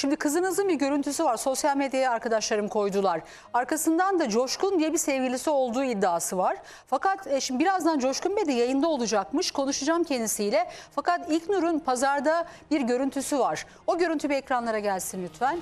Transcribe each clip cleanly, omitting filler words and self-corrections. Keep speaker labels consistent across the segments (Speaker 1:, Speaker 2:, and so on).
Speaker 1: Şimdi kızınızın bir görüntüsü var. Sosyal medyaya arkadaşlarım koydular. Arkasından da Coşkun diye bir sevgilisi olduğu iddiası var. Fakat şimdi birazdan Coşkun Bey de yayında olacakmış. Konuşacağım kendisiyle. Fakat İlknur'un pazarda bir görüntüsü var. O görüntü bir ekranlara gelsin lütfen.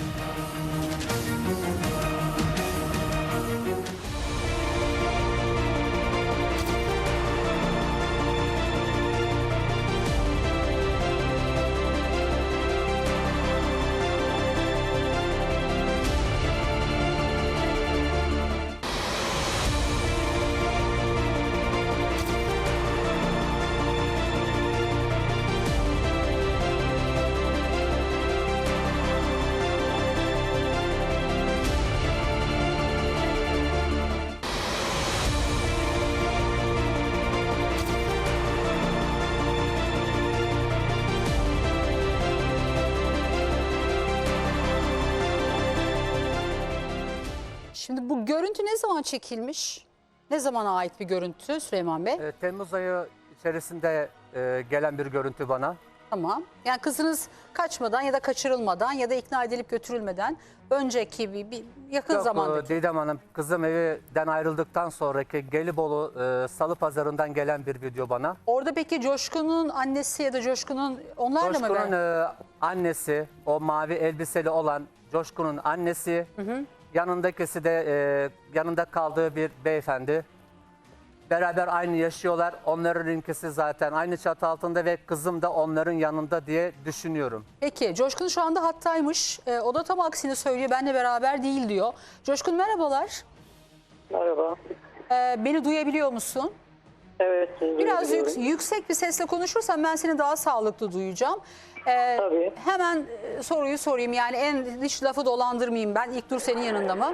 Speaker 1: Şimdi bu görüntü ne zaman çekilmiş? Ne zamana ait bir görüntü Süleyman Bey?
Speaker 2: Temmuz ayı içerisinde gelen bir görüntü bana.
Speaker 1: Tamam. Yani kızınız kaçmadan ya da kaçırılmadan ya da ikna edilip götürülmeden önceki bir yakın
Speaker 2: Yok,
Speaker 1: zamandaki.
Speaker 2: Didem Hanım, kızım evden ayrıldıktan sonraki Gelibolu Salı Pazarı'ndan gelen bir video bana.
Speaker 1: Orada peki Coşkun'un annesi ya da Coşkun'un onlarla mı?
Speaker 2: Coşkun'un annesi, o mavi elbiseli olan Coşkun'un annesi, yanındakisi de yanında kaldığı bir beyefendi. Beraber aynı yaşıyorlar. Onların ülkesi zaten aynı çatı altında ve kızım da onların yanında diye düşünüyorum.
Speaker 1: Peki Coşkun şu anda hattaymış. O da tam aksini söylüyor. Benle beraber değil diyor. Coşkun merhabalar.
Speaker 3: Merhaba.
Speaker 1: Beni duyabiliyor musun?
Speaker 3: Evet.
Speaker 1: Biraz yüksek bir sesle konuşursan ben seni daha sağlıklı duyacağım.
Speaker 3: Tabii.
Speaker 1: Hemen soruyu sorayım. Yani hiç lafı dolandırmayayım ben. İlknur senin yanında mı?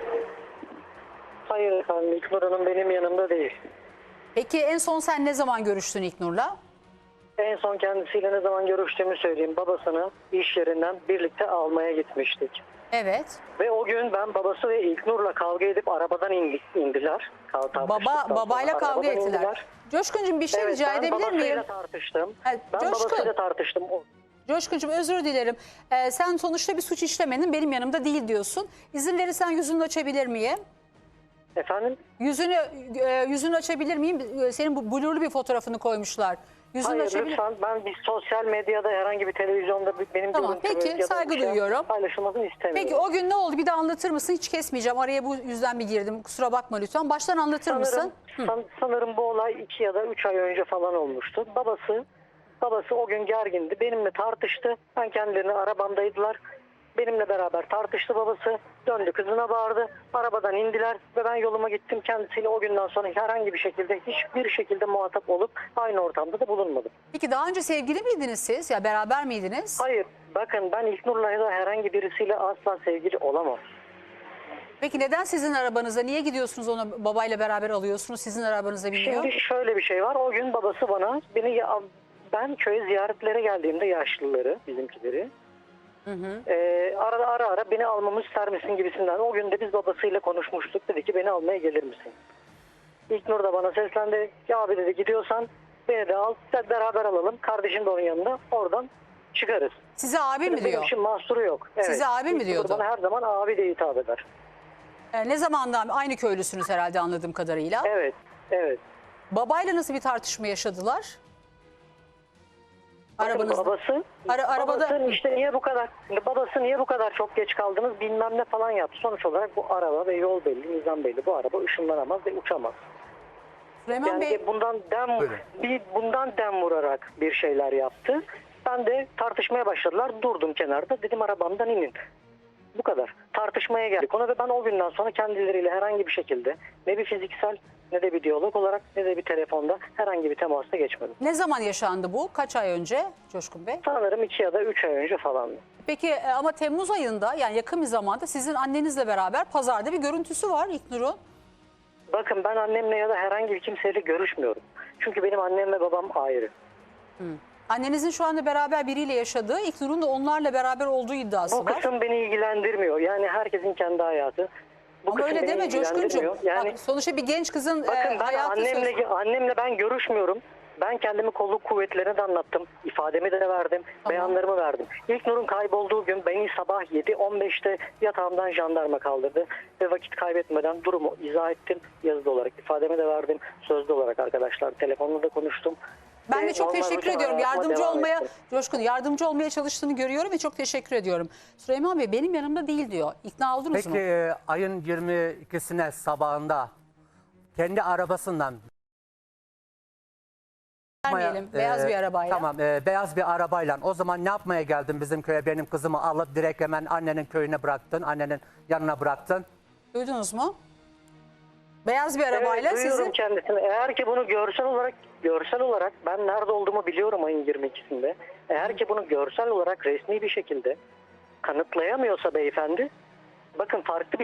Speaker 3: Hayır efendim. İlknur Hanım benim yanımda değil.
Speaker 1: Peki en son sen ne zaman görüştün İlknur'la?
Speaker 3: En son kendisiyle ne zaman görüştüğümü söyleyeyim. Babasını iş yerinden birlikte almaya gitmiştik.
Speaker 1: Evet.
Speaker 3: Ve o gün ben babası ve İlknur'la kavga edip arabadan indiler.
Speaker 1: Babayla kavga ettiler.
Speaker 3: Indiler.
Speaker 1: Coşkun'cum bir şey
Speaker 3: Evet,
Speaker 1: rica
Speaker 3: ben
Speaker 1: edebilir
Speaker 3: babasıyla
Speaker 1: miyim?
Speaker 3: tartıştım.
Speaker 1: Evet,
Speaker 3: Ben
Speaker 1: Coşkun.
Speaker 3: babasıyla tartıştım.
Speaker 1: Coşkun'cum özür dilerim. Sen sonuçta bir suç işlemedin. Benim yanımda değil diyorsun. İzin verirsen yüzünü açabilir miyim?
Speaker 3: Efendim?
Speaker 1: Yüzünü açabilir miyim? Senin bu blurlu bir fotoğrafını koymuşlar. Yüzünü
Speaker 3: Hayır
Speaker 1: açabilir.
Speaker 3: lütfen, ben bir sosyal medyada herhangi bir televizyonda benim
Speaker 1: Tamam,
Speaker 3: görüntümü
Speaker 1: peki,
Speaker 3: ya da
Speaker 1: saygı
Speaker 3: bir şey
Speaker 1: duyuyorum.
Speaker 3: paylaşılmasını istemiyorum.
Speaker 1: Peki o gün ne oldu? Bir de anlatır mısın? Hiç kesmeyeceğim. Araya bu yüzden bir girdim. Kusura bakma lütfen. Baştan anlatır mısın?
Speaker 3: Sanırım bu olay 2 ya da 3 ay önce falan olmuştu. Babası o gün gergindi. Benimle tartıştı. Ben kendilerini arabamdaydılar. Benimle beraber tartıştı babası. Döndü kızına bağırdı. Arabadan indiler ve ben yoluma gittim. Kendisiyle o günden sonra herhangi bir şekilde hiçbir şekilde muhatap olup aynı ortamda da bulunmadım.
Speaker 1: Peki daha önce sevgili miydiniz siz? Ya beraber miydiniz?
Speaker 3: Hayır. Bakın ben İlknur'la ya da herhangi birisiyle asla sevgili olamam.
Speaker 1: Peki neden sizin arabanıza? Niye gidiyorsunuz onu babayla beraber alıyorsunuz? Sizin arabanıza biniyor.
Speaker 3: Şimdi şöyle bir şey var. O gün babası bana ben köye ziyaretlere geldiğimde yaşlıları, bizimkileri ara beni almamı ister misin gibisinden. O gün de biz babasıyla konuşmuştuk. Dedi ki beni almaya gelir misin? İlknur da bana seslendi. Ya abi dedi gidiyorsan beni de al. Beraber alalım. Kardeşim de onun yanında. Oradan çıkarız.
Speaker 1: Size abi mi
Speaker 3: Benim
Speaker 1: diyor?
Speaker 3: için mahsuru yok. Evet.
Speaker 1: Size abi mi
Speaker 3: İlknur
Speaker 1: diyordu?
Speaker 3: bana her zaman abi diye hitap eder.
Speaker 1: Ne zamandan aynı köylüsünüz herhalde anladığım kadarıyla.
Speaker 3: Evet. Evet.
Speaker 1: Babayla nasıl bir tartışma yaşadılar?
Speaker 3: Bakın
Speaker 1: Arabanızda.
Speaker 3: babası işte babası niye bu kadar çok geç kaldınız bilmem ne falan yaptı. Sonuç olarak bu araba ve yol belli, nizam belli. Bu araba ışınlanamaz ve uçamaz.
Speaker 1: Süleyman
Speaker 3: Yani
Speaker 1: Bey,
Speaker 3: bundan dem vurarak bir şeyler yaptı. Ben de tartışmaya başladılar. Durdum kenarda. Dedim arabamdan inin. Bu kadar. Tartışmaya geldik ona ve ben o günden sonra kendileriyle herhangi bir şekilde ne bir fiziksel ne de bir diyalog olarak ne de bir telefonda herhangi bir temasta geçmedim.
Speaker 1: ne zaman yaşandı bu? Kaç ay önce Coşkun Bey?
Speaker 3: Sanırım 2 ya da 3 ay önce falan.
Speaker 1: Peki ama Temmuz ayında yani yakın bir zamanda sizin annenizle beraber pazarda bir görüntüsü var İlknur'un.
Speaker 3: Bakın ben annemle ya da herhangi bir kimseyle görüşmüyorum. Çünkü benim annem ve babam ayrı.
Speaker 1: Annenizin şu anda beraber biriyle yaşadığı, İlknur'un da onlarla beraber olduğu iddiası
Speaker 3: Bu
Speaker 1: var.
Speaker 3: kısım beni ilgilendirmiyor. Yani herkesin kendi hayatı. Bu
Speaker 1: Ama
Speaker 3: kısım
Speaker 1: öyle
Speaker 3: beni
Speaker 1: deme Coşkun'cum.
Speaker 3: ilgilendirmiyor. Yani
Speaker 1: Bak, sonuçta bir genç kızın
Speaker 3: bakın ben
Speaker 1: hayatı...
Speaker 3: annemle ben görüşmüyorum. Ben kendimi kolluk kuvvetlerine de anlattım. İfademi de verdim. Beyanlarımı verdim. İlknur'un kaybolduğu gün beni sabah 7:15'te yatağımdan jandarma kaldırdı. Ve vakit kaybetmeden durumu izah ettim. Yazılı olarak ifademi de verdim. Sözlü olarak arkadaşlar telefonla da konuştum.
Speaker 1: Ben
Speaker 3: Ve
Speaker 1: de çok
Speaker 3: normal
Speaker 1: teşekkür
Speaker 3: rutin
Speaker 1: ediyorum.
Speaker 3: hayatıma
Speaker 1: Yardımcı
Speaker 3: devam
Speaker 1: olmaya,
Speaker 3: ettim.
Speaker 1: Coşkun yardımcı olmaya çalıştığını görüyorum ve çok teşekkür ediyorum. Süleyman Bey benim yanımda değil diyor. İkna oldunuz
Speaker 2: Peki
Speaker 1: mu?
Speaker 2: ayın 22'sine sabahında kendi arabasından
Speaker 1: Vermeyelim. Beyaz bir arabayla.
Speaker 2: Tamam, beyaz bir arabayla. O zaman ne yapmaya geldin bizim köye? Benim kızımı alıp direkt hemen annenin köyüne bıraktın, annenin yanına bıraktın.
Speaker 1: Duydunuz mu? Beyaz bir arabayla
Speaker 3: evet, duyuyorum
Speaker 1: sizin...
Speaker 3: kendisini. Eğer ki bunu görsel olarak ben nerede olduğumu biliyorum ayın 22'sinde. Eğer ki bunu görsel olarak resmi bir şekilde kanıtlayamıyorsa beyefendi, bakın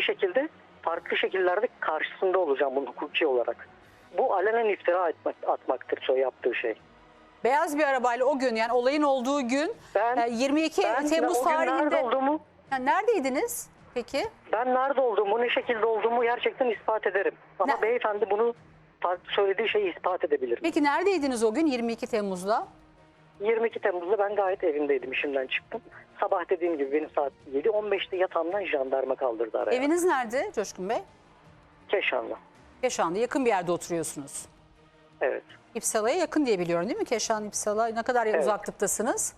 Speaker 3: farklı şekillerde karşısında olacağım bunun hukuki olarak. Bu alenen iftira atmaktır yaptığı şey.
Speaker 1: Beyaz bir arabayla o gün yani olayın olduğu gün
Speaker 3: Ben
Speaker 1: 22 Temmuz
Speaker 3: o gün nerede
Speaker 1: tarihinde...
Speaker 3: olduğumu,
Speaker 1: Yani neredeydiniz peki?
Speaker 3: ben nerede olduğumu, ne şekilde olduğumu gerçekten ispat ederim. Ama
Speaker 1: Ne?
Speaker 3: beyefendi bunu farklı söylediği şeyi ispat edebilir.
Speaker 1: Peki neredeydiniz o gün 22 Temmuz'da?
Speaker 3: 22 Temmuz'da ben gayet evimdeydim, işimden çıktım. Sabah dediğim gibi benim saat 7:15'te yatağımdan jandarma kaldırdı araya.
Speaker 1: Eviniz nerede Coşkun Bey?
Speaker 3: Keşanlı.
Speaker 1: Keşan'da yakın bir yerde oturuyorsunuz.
Speaker 3: Evet.
Speaker 1: İpsala'ya yakın diye biliyorum değil mi? Keşan, İpsala ne kadar
Speaker 3: Evet.
Speaker 1: uzaklıktasınız?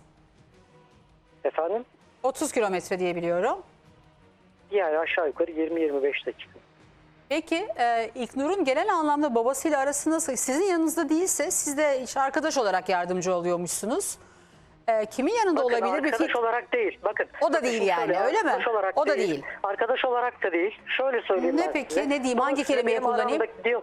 Speaker 3: Efendim?
Speaker 1: 30 kilometre diye biliyorum.
Speaker 3: Yani aşağı yukarı 20-25 dakika.
Speaker 1: Peki İlknur'un genel anlamda babasıyla arası nasıl? Sizin yanınızda değilse siz de iş arkadaş olarak yardımcı oluyormuşsunuz. Kimin yanında
Speaker 3: Bakın
Speaker 1: olabilir?
Speaker 3: arkadaş olarak değil. Bakın.
Speaker 1: O da
Speaker 3: bakın
Speaker 1: değil
Speaker 3: şimdi
Speaker 1: yani,
Speaker 3: şöyle,
Speaker 1: öyle mi?
Speaker 3: arkadaş olarak
Speaker 1: O da değil.
Speaker 3: Arkadaş olarak da değil. Şöyle söyleyeyim
Speaker 1: Ne
Speaker 3: ben
Speaker 1: peki?
Speaker 3: size.
Speaker 1: Ne diyeyim? Hangi
Speaker 3: Babasıyla
Speaker 1: kelimeyi
Speaker 3: benim
Speaker 1: kullanayım?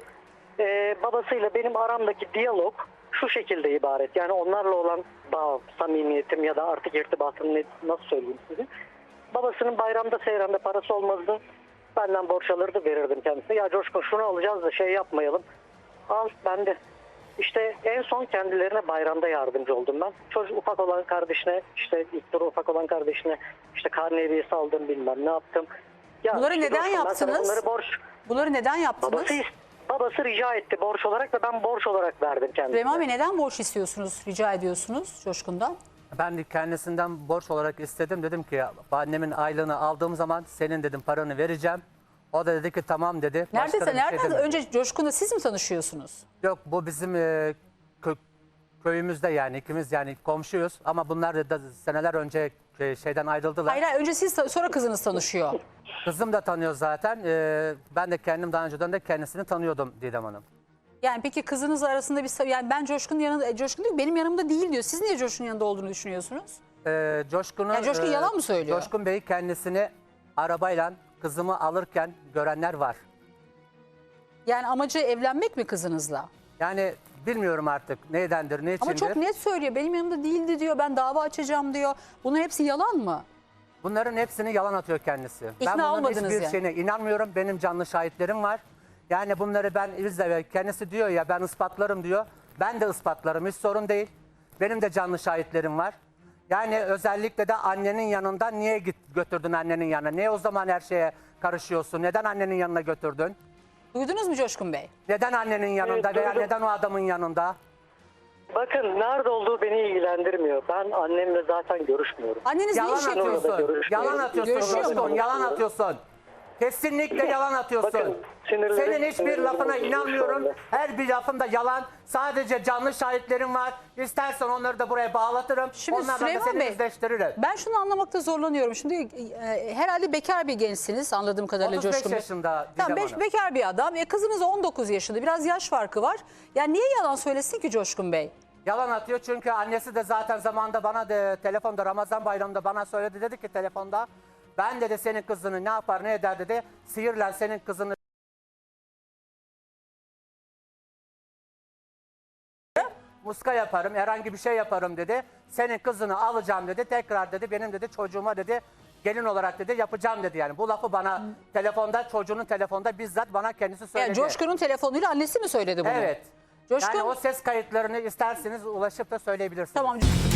Speaker 3: Babasıyla benim aramdaki diyalog şu şekilde ibaret. Yani onlarla olan bağ, samimiyetim ya da artık irtibatım nasıl söyleyeyim size. Babasının bayramda seyranda parası olmazdı. Benden borç alırdı, verirdim kendisine. Ya Coşkun şunu alacağız da şey yapmayalım. Al bende. İşte en son kendilerine bayramda yardımcı oldum ben. Çocuk ufak olan kardeşine, işte İlknur ufak olan kardeşine işte karne hediyesi aldım, bilmem ne yaptım. Ya
Speaker 1: Bunları
Speaker 3: işte
Speaker 1: neden
Speaker 3: Coşkun, ben sana
Speaker 1: yaptınız? Bunları neden yaptınız?
Speaker 3: Babası rica etti borç olarak ve ben borç olarak verdim kendisine.
Speaker 1: Süleyman Bey neden borç istiyorsunuz, rica ediyorsunuz Coşkun'dan?
Speaker 2: Ben de kendisinden borç olarak istedim. Dedim ki annemin aylığını aldığım zaman senin dedim paranı vereceğim. O da dedi ki tamam dedi. Başka da bir şey
Speaker 1: Nereden?
Speaker 2: demedi.
Speaker 1: Önce Coşkun'la siz mi tanışıyorsunuz?
Speaker 2: Yok, bu bizim köyümüzde, yani ikimiz yani komşuyuz. Ama bunlar da seneler önce şeyden ayrıldılar.
Speaker 1: Hayır, önce siz sonra kızınız tanışıyor.
Speaker 2: Kızım da tanıyor zaten. Ben de kendim daha önceden de kendisini tanıyordum Didem Hanım.
Speaker 1: Yani peki kızınız arasında bir yani ben Coşkun'un yanında Coşkun diyor benim yanımda değil diyor. Siz niye Coşkun'un yanında olduğunu düşünüyorsunuz?
Speaker 2: Coşkun'un,
Speaker 1: Yani Coşkun yalan mı söylüyor?
Speaker 2: Coşkun Bey kendisini arabayla kızımı alırken görenler var.
Speaker 1: Yani amacı evlenmek mi kızınızla?
Speaker 2: Yani bilmiyorum artık nedendir, ne içindir.
Speaker 1: Ama çok net söylüyor. Benim yanımda değildi diyor. Ben dava açacağım diyor. Bunların hepsi yalan mı?
Speaker 2: Bunların hepsini yalan atıyor kendisi.
Speaker 1: İkna
Speaker 2: Ben bunların
Speaker 1: olmadınız
Speaker 2: hiçbir
Speaker 1: yani.
Speaker 2: şeyine inanmıyorum. Benim canlı şahitlerim var. Yani bunları ben izle, kendisi diyor ya ben ispatlarım diyor. Ben de ispatlarım, hiç sorun değil. Benim de canlı şahitlerim var. Yani özellikle de annenin yanında niye götürdün annenin yanına? Niye o zaman her şeye karışıyorsun? Neden annenin yanına götürdün?
Speaker 1: Duydunuz mu Coşkun Bey?
Speaker 2: Neden annenin yanında
Speaker 3: Evet,
Speaker 2: veya
Speaker 3: duydum.
Speaker 2: neden o adamın yanında?
Speaker 3: Bakın nerede olduğu beni ilgilendirmiyor. Ben annemle zaten görüşmüyorum.
Speaker 1: Anneniz ne
Speaker 2: Yalan
Speaker 1: iş yapıyor?
Speaker 2: atıyorsun. Yalan atıyorsun.
Speaker 1: Görüşüyor mu?
Speaker 2: Coşkun, yalan atıyorsun. Kesinlikle yalan atıyorsun.
Speaker 3: Bakın, sinirlerim-
Speaker 2: Senin hiçbir
Speaker 3: sinirlerim
Speaker 2: lafına
Speaker 3: bozuldu
Speaker 2: inanmıyorum.
Speaker 3: şu anda.
Speaker 2: Her bir lafında yalan. Sadece canlı şahitlerim var. İstersen onları da buraya bağlatırım.
Speaker 1: Şimdi
Speaker 2: Onlarla da
Speaker 1: Süleyman
Speaker 2: seni
Speaker 1: Bey,
Speaker 2: yüzleştiririm.
Speaker 1: ben şunu anlamakta zorlanıyorum. Şimdi herhalde bekar bir gençsiniz anladığım kadarıyla
Speaker 2: 35
Speaker 1: Coşkun Bey.
Speaker 2: yaşında
Speaker 1: Tamam,
Speaker 2: Didem Hanım.
Speaker 1: bekar bir adam. Kızınız 19 yaşında. Biraz yaş farkı var. Yani niye yalan söylesin ki Coşkun Bey?
Speaker 2: Yalan atıyor çünkü annesi de zaten zamanında bana de telefonda Ramazan bayramında bana söyledi, dedi ki telefonda ben dedi senin kızını ne yapar ne eder dedi, sihirle senin kızını muska yaparım, herhangi bir şey yaparım dedi. Senin kızını alacağım dedi, tekrar dedi benim dedi çocuğuma dedi gelin olarak dedi yapacağım dedi. Yani bu lafı bana telefonda, çocuğunun telefonda bizzat bana kendisi söyledi.
Speaker 1: Yani Coşkun'un telefonuyla annesi mi söyledi bunu?
Speaker 2: Evet.
Speaker 1: Coşkun,
Speaker 2: Yani o ses kayıtlarını isterseniz ulaşıp da söyleyebilirsiniz.
Speaker 1: tamam.